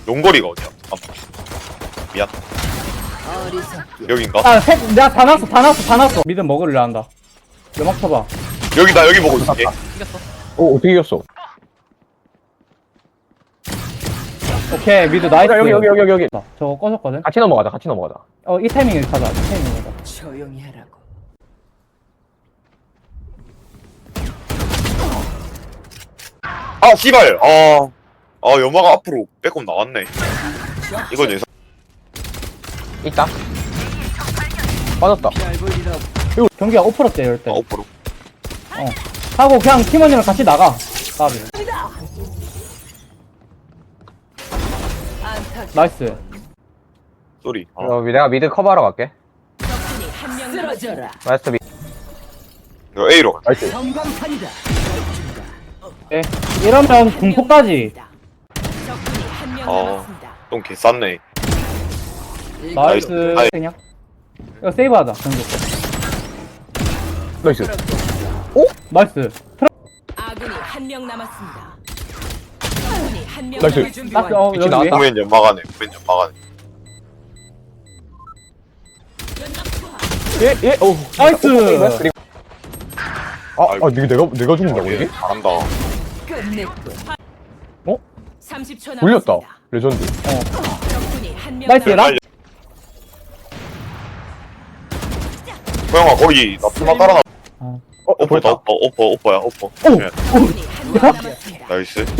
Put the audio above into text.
용거리가 어디야? 잠깐만. 미안. 여긴가? 아, 내가 다 나왔어. 미드 먹으려 한다. 연막 쳐봐. 여기다, 여기 보고 있을게. 이겼어. 오 어떻게 이겼어? 오케이, 미드 나이스. 여기 저거 꺼졌거든? 같이 넘어가자 이 타이밍에 가자, 이 타이밍에 가자. 조용히 하라고. 아, 씨발! 연마가 앞으로 빼꼼 나왔네. 이건 예상. 있다 빠졌다 경기가 오프로때, 이럴 때. 5%. 하고 그냥 팀원이랑 같이 나가. 까비. 나이스. 쏘리. 내가 미드 커버하러 갈게 쓰러져라. 나이스 미 이거 A로 가. 나이스 전광판이다. 네. 이러면 공포까지. 적군이 한 명 어. 남았습니다. 좀 개쌌네. 나이스. 아이. 그냥. 이거 세이브하자, 경기. 나이스 나이스. 아군이 한 명 남았습니다. 적군이 한 명 나이스. 남았습니다. 나이스, 위치 여기 위에. 나왔다. 후면 연마가네. 후면 연마가네. 예예 오 나이스. 그리고 내가 죽는다고 이게? 잘한다. 끝냈군. 어? 30초 올렸다 남았습니다. 레전드 적군이 한 명 나이스, 남았습니다. 소영아, 거기 나 풀마 따라나. 보였다 오퍼야, 오퍼. 오! 네. 적군이 한 명 남았습니다. 나이스.